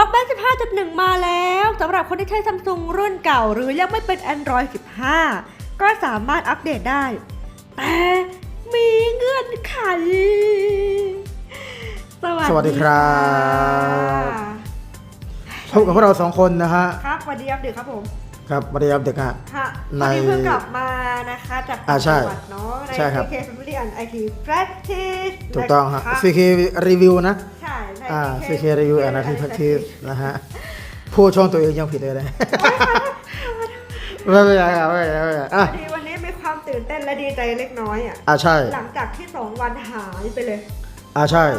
TalkBack 15.1 มาแล้วสำหรับคนที่ใช้ Samsung รุ่นเก่าหรือยังไม่เป็น Android 15 ก็สามารถอัปเดตได้ แต่มีเงื่อนไขสวัสดีครับพบกับพวกเรา2คนนะฮะครับสวัสดีครับเด็กครับผมครับสวัสดีครับเด็กฮะค่ะตอนนี้เพิ่งกลับมานะคะจากจังหวัดเนาะใน CK Family and IT Practice ถูกต้องฮะ CK Review นะใช่ CK Review and IT Practice นะฮะพูดช่องตัวเองยังผิดเลยนะไม่เป็นไรครับไม่เป็นไรวันนี้มีความตื่นเต้นและดีใจเล็กน้อยใช่หลังจากที่2วันหายไปเลยใช่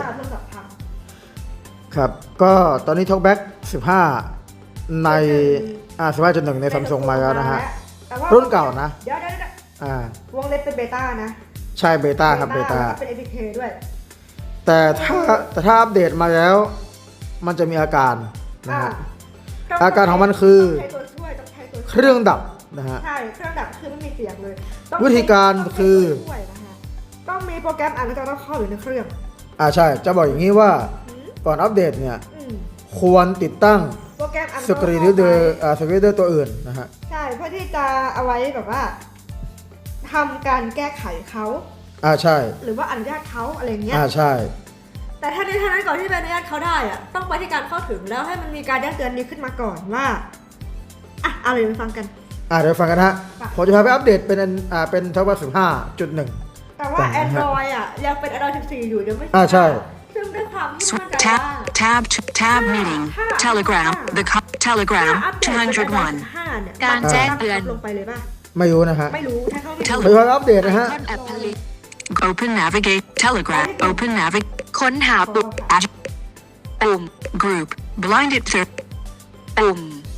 ครับก็ตอนนี้ TalkBack 15 ใน15.1 ใน Samsung มาแล้วนะฮะรุ่นเก่านะเดี๋ยววงเล็บเป็นเบต้านะใช่เบต้าครับเบต้าเป็น APK ด้วยแต่ถ้าอัปเดตมาแล้วมันจะมีอาการนะฮะอาการของมันคือเครื่องดับนะฮะใช่เครื่องดับคือไม่มีเสียงเลยวิธีการคือต้องมีโปรแกรมอ่านแล้วเข้าอยู่ในเครื่องใช่จะบอกอย่างนี้ว่าก่อนอัปเดตเนี่ยควรติดตั้งโปรแกรมสกรีนรีดเดอร์ตัวอื่นนะฮะใช่เพื่อที่จะเอาไว้แบบว่าทำการแก้ไขเขาใช่หรือว่าอนุญาตเขาอะไรเงี้ยใช่แต่ถ้าในทางนั้นก่อนที่จะอนุญาตเขาได้ต้องไปที่การเข้าถึงแล้วให้มันมีการแจ้งเตือนนี้ขึ้นมาก่อนว่าอะไรไปฟังกันเดี๋ยวฟังกันฮะผมจะพาไปอัปเดตเป็น TalkBack 15.1 แต่ว่า Android ยังเป็น Android 14 อยู่ยังไม่ใช่ซึ่งด้วยความที่มั่นใจว่า Tab meeting Telegram the Telegram 201การแจ้งเตือนลงไปเลยป่ะไม่รู้นะฮะไม่รู้ถ้าเขาไม่รู้อัปเดตนะฮะ Open Navigate Telegram Open Navigate ค้นหาปุ่ม Group Blinded Search ปุ่ม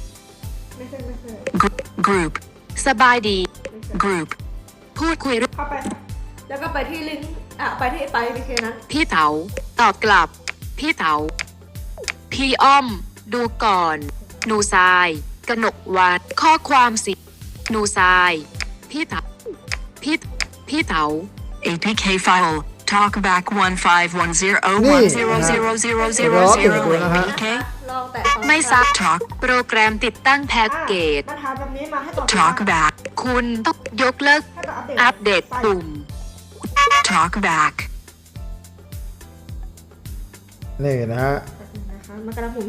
Group สบายดี Group พูดคุยเข้าไปแล้วก็ไปที่ลิงก์ไปที่APK นั้นพี่เต๋าตอบกลับพี่เต๋าพี่อ้อมดูก่อนหนูทรายกนกวานข้อความสิหนูทรายพี่เต๋าพี่เต๋า APK file talkback 1510100000 APK ไม่ซัก Talk โปรแกรมติดตั้งแพ็กเกจ talkback คุณต้องยกเลิกอัปเดตปุ่ม talkback นี่นะฮะมากระหมุน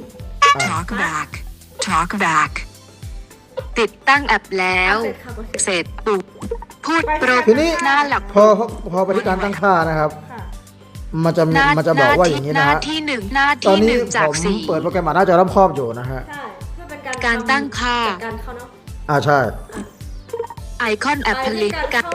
talkback ติดตั้งแอปแล้วเสร็จปุ๊บพูดโปรทีนี้หน้าหลักพอไปที่การตั้งค่านะครับมันจะบอกว่าอย่างนี้นะฮะหน้าที่1จาก4 ผมเปิดโปรแกรมหน้าจอรอบครอบอยู่นะฮะใช่เพื่อเป็นการตั้งค่าการเข้าเนาะใช่ไอคอนแอปพลิเคชัน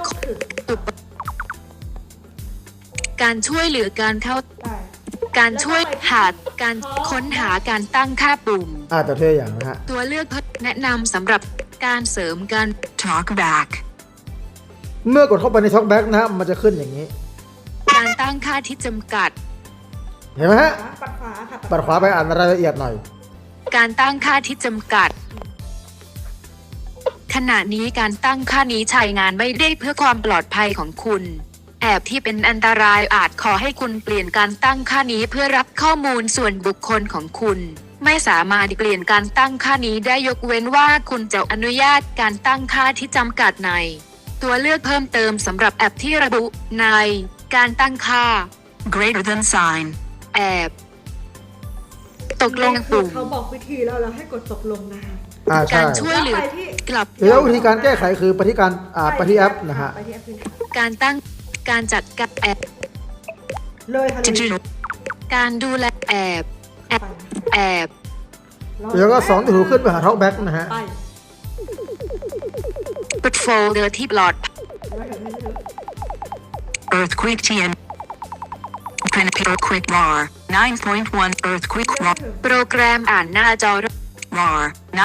การช่วยเหลือการเข้าการช่วยหาการค้นหาการตั้งค่าปุ่มตัวเท่อย่างนะฮะตัวเลือกแนะนำสำหรับการเสริมการ talkback เมื่อกดเข้าไปใน TalkBack นะมันจะขึ้นอย่างนี้การตั้งค่าที่จำกัดเห็นไหมฮะปัดขวาไปอ่านรายละเอียดหน่อยการตั้งค่าที่จำกัดขณะนี้การตั้งค่านี้ใช้งานไม่ได้เพื่อความปลอดภัยของคุณแอบที่เป็นอันตรายอาจขอให้คุณเปลี่ยนการตั้งค่านี้เพื่อรับข้อมูลส่วนบุคคลของคุณไม่สามารถเปลี่ยนการตั้งค่านี้ได้ยกเว้นว่าคุณจะอนุญาตการตั้งค่าที่จำกัดในตัวเลือกเพิ่มเติมสำหรับแอปที่ระบุในการตั้งค่า greater than sign แอบตกลงปุ่มเขาบอกวิธีแล้วเราให้กดตกลงนะคะการช่วยเหลือกลับแล้ววิธีการแก้ไขคือไปที่แอปนะฮะการตั้งการจัดการแอบเลยการดูแลแอบแล้วก็2ถูขึ้นไปหา TalkBack นะฮะเปิดโฟลเดอร์ที่ปลอด Earthquake TN Earthquake RAR 9.1 Earthquake RAR โปรแกรมอ่านหน้าจอ RAR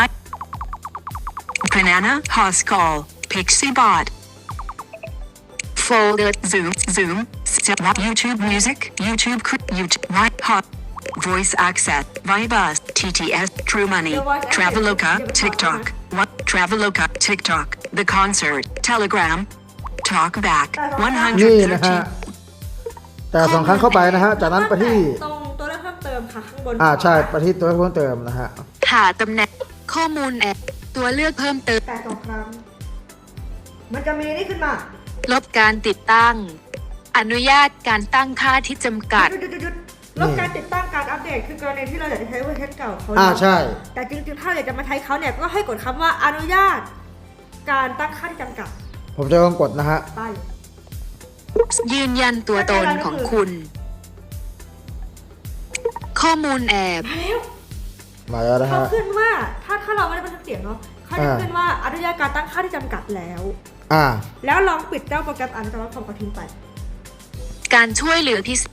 9 Banana Pascal Pixiebot Folder Zoom YouTube Music YouTube White Hot Voice Access Vibus TTS True Money Traveloka TikTok Traveloka TikTok The Concert Telegram TalkBack 113แต่2 ครั้งเข้าไปนะฮะจากนั้นไปที่ตรงตัวเลือกเพิ่มเติมคนะคะข้างบนใช่ไปที่ตัวเพิ่มเติมนะฮะหาตำแหน่งข้อมูลแอบตัวเลือกเพิ่มเติมแต่2 ครั้ง มันจะมีนี่ขึ้นมาลบการติดตั้ง อนุญาตการตั้งค่าที่จำกัดหยุดลบการติดตั้งการอัปเดตคือกรณีที่เราอยากจะใช้เวอร์ชันเก่าเขาใช่แต่จริงๆ ถ้าอยากจะมาใช้เขาเนี่ยก็ให้กดคำว่าอนุญาต การตั้งค่าที่จำกัดผมจะลองกดนะฮะไปยืนยันตัวตนของคุณ ข้อมูลแอบมาแล้วมาแล้วนะเขาฮะขึ้นว่าถ้าเราไม่ได้บันทึกเสียงเนาะเขาจะขึ้นว่าอนุญาตการตั้งค่าที่จำกัดแล้ว แล้วลองปิดเจ้าโปรแกรมอันตรายของกระทิ้งไปการช่วยเหลือพิเศษ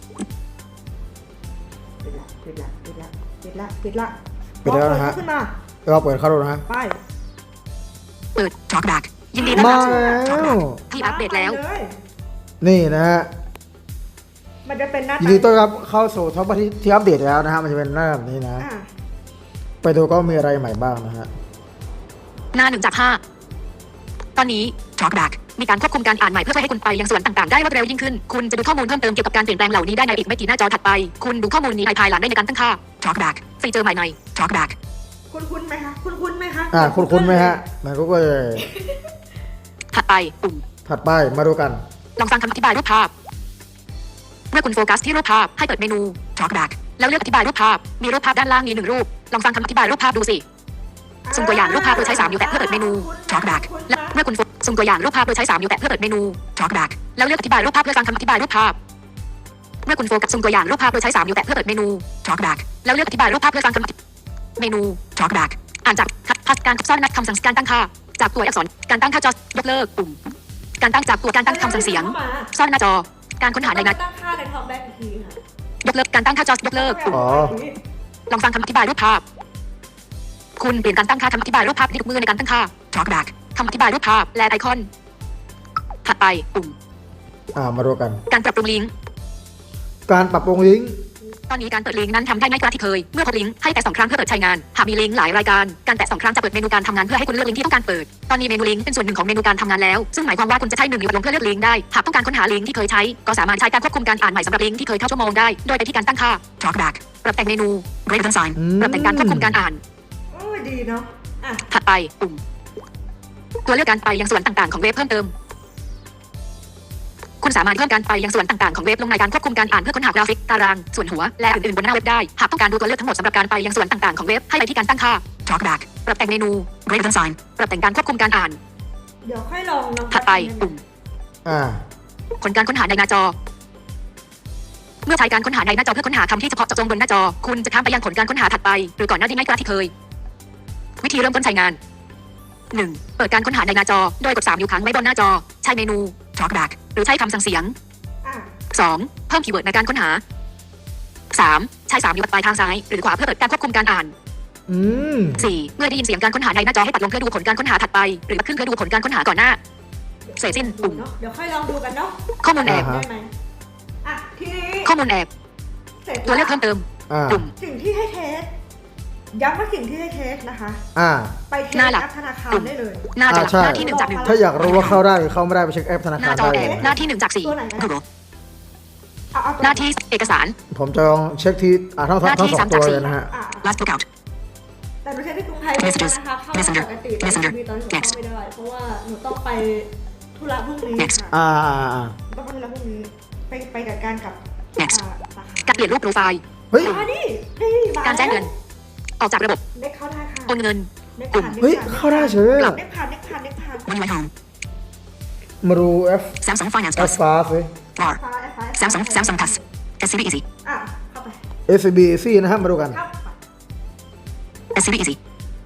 ปิดละปิดแล้วนะฮะขึ้นมาเราเปิดเข้าดูนะฮะไปเปิด Talkback ยินดีต้อนมารับสู่แล้วที่อัปเดตแล้วไปเยนี่นะฮะมันจะเป็นหน้ายินดีต้อนรับเข้าสู่ท็อปที่อัปเดตแล้วนะฮะมันจะเป็นหน้าแบบนี้นะอ่ะไปดูก็มีอะไรใหม่บ้างนะฮะหน้า1 จาก 5 ตอนนี้ Talkback มีการควบคุมการอ่านใหม่เพื่อให้คุณไปยังส่วนต่างๆได้รวดเร็วยิ่งขึ้น คุณจะดูข้อมูลเพิ่มเติมเกี่ยวกับการเปลี่ยนแปลงเหล่านี้ได้ในอีกไม่กี่หน้าจอถัดไป คุณดูข้อมูลนี้ภายหลังได้ในการตั้งค่า Talkback ฟีเจอร์ใหม่ใน Talkback คุ้นไหมคะคุ้นไหมคะคุ้นไหมฮะมันก็เลยถัดไปปุ่มถัดไปมาดูกันลองฟังคำอธิบายรูปภาพ เมื่อคุณโฟกัสที่รูปภาพให้เปิดเมนู Talkback แล้วเลือกอธิบายรูปภาพ มีรูปภาพด้านล่างมี1 รูป ลองฟังคำอธิบายรูปภาพดูสิ สุ่มตัวอย่างรูปภาพโดยใช้3นิ้วแตะเพื่อเปิดเมนู Talkback และเมื่อคุณสุ่มตัวอย่างรูปภาพโดยใช้3นิ้วแตะเพื่อเปิดเมนู Talkback แล้วเลือกอธิบายรูปภาพเพื่อฟังคำอธิบายรูปภาพ เมื่อคุณโฟกัสสุ่มตัวอย่างรูปภาพโดยใช้3นิ้วแตะเพื่อเปิดเมนู Talkback แล้วเลือกอธิบายรูปภาพเพื่อฟังคำเมนู Talkback อ่านจากพัฒการซ่อนนัดคำสั่งการตั้งค่า จากตัวอักษรการตั้งค่าจอยกเลิกปุ่ม การตั้งจากตัวการตั้งคำสั่งเสียง ซ่อนหน้าจอ การค้นหาในนัดตั้งค่าในท็อปแบ็กอีกทีค่ะยกเลิกการตั้งค่าจอยกเลิกปุ่ม ลองฟังคำอธิบายรูปภาพ คุณเปลี่ยนการตั้งค่าคำอธิบายรูปภาพที่ทุกมือในการตั้งค่า Talkback คำอธิบายรูปภาพและไอคอน ถัดไปปุ่มมาดูกันการปรับปรุงลิงก์การปรับปรุงลิงก์ตอนนี้การเปิดลิงก์นั้นทำได้ง่ายกว่าที่เคย เมื่อพบลิงก์ให้แตะ2 ครั้งเพื่อเปิดใช้งาน หากมีลิงก์หลายรายการ การแตะ2 ครั้งจะเปิดเมนูการทำงานเพื่อให้คุณเลือกลิงก์ที่ต้องการเปิด ตอนนี้เมนูลิงก์เป็นส่วนหนึ่งของเมนูการทำงานแล้ว ซึ่งหมายความว่าคุณจะใช้1 นิ้วลงเพื่อเลือกลิงก์ได้ หากต้องการค้นหาลิงก์ที่เคยใช้ ก็สามารถใช้การควบคุมการอ่านใหม่สำหรับลิงก์ที่เคยเข้าชั่วโมงได้ โดยไปที่การตั้งค่า Talkback ปรับแต่งเมนู Greater than sign ปรับแต่งการควบคุมการอ่านโอ้ยดีเนาะอ่ะถัดไปปุ่ม ตัวเลือกการไปยังส่วนต่างๆของเว็บเพิ่มเติม คุณสามารถเพิ่มการไปยังส่วนต่างๆของเว็บลงในการควบคุมการอ่านเพื่อค้นหากราฟิกตารางส่วนหัวและอื่นๆบนหน้าเว็บได้ หากต้องการดูตัวเลือกทั้งหมดสำหรับการไปยังส่วนต่างๆของเว็บให้ไปที่การตั้งค่า Talkback ปรับแต่งเมนู Greater than sign ปรับแต่งการควบคุมการอ่านเดี๋ยวค่อยลองน้องถัดไปปุ่มอ่าผลการค้นหาในหน้าจอ เมื่อใช้การค้นหาในหน้าจอเพื่อค้นหาคำที่เฉพาะเจาะจงบนหน้าจอ คุณจะข้ามไปยังผลการค้นหาถัดไปหรือก่อนหน้าที่ง่ายกว่าที่เคย วิธีเริ่มต้นใช้งาน 1. เปิดการค้นหาในหน้าจอโดยกด3 นิ้วค้างไว้บนหน้าจอ ใช้เมนู Talkback หรือใช้คำสั่งเสียงอ่ะ 2. เพิ่มคีย์เวิร์ดในการค้นหา 3. ใช้3 นิ้วปลายทางซ้ายหรือขวาเพื่อเปิดการควบคุมการอ่าน 4. เมื่อได้ยินเสียงการค้นหาในหน้าจอให้ปัดลงเพื่อดูผลการค้นหาถัดไปหรือปัดขึ้นเพื่อดูผลการค้นหาก่อนหน้า เสร็จสิ้นปุ่มเนาะเดี๋ยวค่อยลองดูกันเนาะข้อมูลแอบได้ไหมอ่ะทีนี้ข้อมูลแอบเสร็จตัวเลือกเพิ่มเติม ปุ่มสิ่งที่ให้เทสย้ำว่าสิ่งที่ให้เทสนะคะ ไปเทสหน้าหลักแอปธนาคารได้เลยหน้าจอใช่หน้าที่1 จาก 1 ถ้าอยากรู้ว่าเข้าได้หรือเข้าไม่ได้ไปเช็คแอปธนาหคาน้าร จอได้แอเลบยหน้าที่1 จากตัวไหนนะ 4 Google เอาตัวหน้าที่เอกสารผมจะลองเช็คที่ทั้งหน้าที่สอง 3 ตัวจากเลยนะฮะอ่ะ Last Lookout แต่หนูใช้ที่กรุงไทยไม่ได้นะคะเข้ามาปกติแต่ Messenger มีตอนนี้หนูเข้าไม่ได้ เพราะว่าหนูต้องไปธุระพรุ่งนี้ Next ค่ะอ่าต้องไปธุระพรุ่งนี้ไปจัดการกับ Next สาขาการเปลี่ยนรูปโปรไฟล์เฮ้ยนี่มาการแจ้งเงิน ออกจากระบบเน็กเข้าได้ค่ะโอนเงินเน็กปุ่มผ่านเฮ้ย เข้าได้เฉยกลับเน็กผ่านเน็กผ่านเน็กผ่าน One Way Home มาดู Samsung Finance F Plus ฟ้าสิ Bar Samsung Plus SCB Easy อ่ะเข้าไป SCBC นะฮะมาดูกันเข้าไป SCB Easy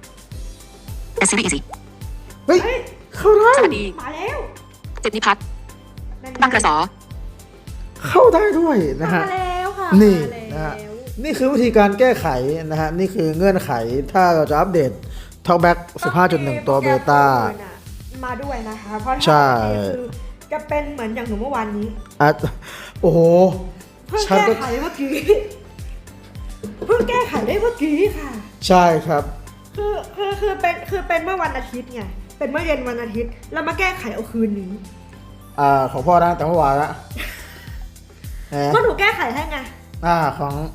SCB Easy เฮ้ย เข้าได้สวัสดีมาแล้วเจ็ดนิพัฒน์บางกระสอเข้าได้ด้วยนะฮะมาแล้วค่ะนี่มานะฮะแล้วนี่คือวิธีการแก้ไขนะฮะ นี่คือเงื่อนไขถ้าเราจะอัปเดต Talkback 15.1 ตัวเบต้ามาด้วยนะคะเพราะใช่ถ้าคือจะเป็นเหมือนอย่างหนูเมื่อวานนี้โอ้โหเพิ่งฉันแก้ก็ไขเมื่อกี้เพิ่งแก้ไขได้เมื่อกี้ค่ะใช่ครับคือเป็นเมื่อวันอาทิตย์ไงเป็นเมื่อเย็นวันอาทิตย์แล้วมาแก้ไขเอาคืนนี้ของพ่อนะแต่เมื่อวานละแหมก็หนูแก้ไขให้ไงของ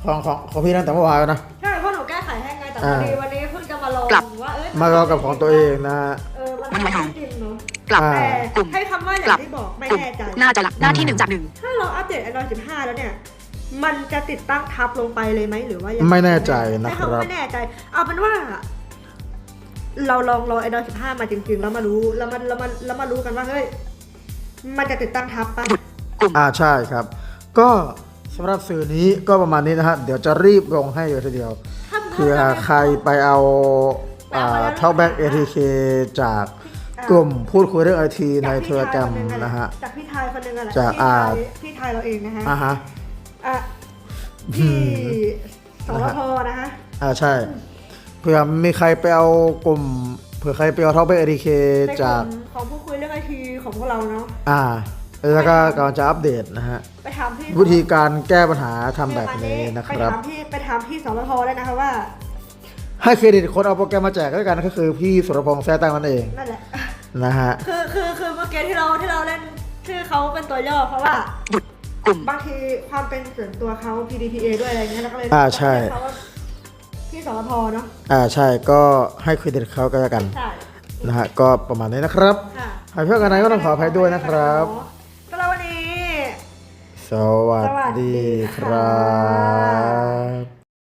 ของพี่ตั้งแต่เมื่อวานแล้วนะใช่เพราะหนูแก้ไขให้ไงแต่พอดีวันนี้เพิ่งจะมาลองกลับว่ามาลองกับของตัวเองนะมันไม่จริงเนาะกลับอ่าแต่กลุ่มให้คำว่าอกลัย่าบงที่บอกไม่กลุ่มแน่ใจน่าจะหลักหน้าที่1 จาก 1 ถ้าเราอัปเดต Android 15 แล้วเนี่ย มันจะติดตั้งทับลงไปเลยไหมหรือว่ายังงไม่แน่ใจนะใช้ครับคำว่าไม่แน่ใจ เอาเป็นว่า เราลองรอ Android 15 มาจริงๆ แล้วมารู้แล้วมารู้กันว่าเฮ้ยมันจะติดตั้งทับปะใช่ครับ ก็สำหรับสื่อนี้ก็ประมาณนี้นะฮะเดี๋ยวจะรีบลงให้เลยทีเดียวเผื่อใครไปเอาเท่าแบ็ก ATK จากกลุ่มพูดคุยเรื่องไอทีในเทเลกรมนะฮะจากพี่ไทยคนหนึงอะไรจากพี่ไทยเราเองนะฮะฮะที่สรพนะฮะใช่เผื่อมีใครไปเอากลุ่มเผื่อใครไปเอาเท่าแบ็ก ATK ในกจากลุ่มของผู้คุยเรื่องไอทีของพวกเราเนาะแล้วก็กำลังจะอัปเดตนะฮะไปถามพี่วิธีการแก้ปัญหาทำแบบนี้นะครับไปถามพี่สรพได้นะคะว่าให้เครดิตคนเอาโปรแกรมมาแจกด้วยกันก็คือพี่สุรพงษ์แท้ตั้งนั่นเองนั่นแหละนะฮะคือเมื่อกี้ที่เราเล่นชื่อเขาเป็นตัวย่อเพราะว่าหยุดกลุ่มบางทีความเป็นส่วนตัวเขา PDPA ด้วยอะไรเงี้ยแล้วก็เลยใช่เรียกเขาว่าพี่สรพเนาะใช่ก็ให้เครดิตเขาก็แล้วกันใช่นะฮะก็ประมาณนี้นะครับค่ะหากเพื่อนกันไหนก็ต้องขออภัยด้วยนะครับสำหรับวันนี้สวัสดีครับ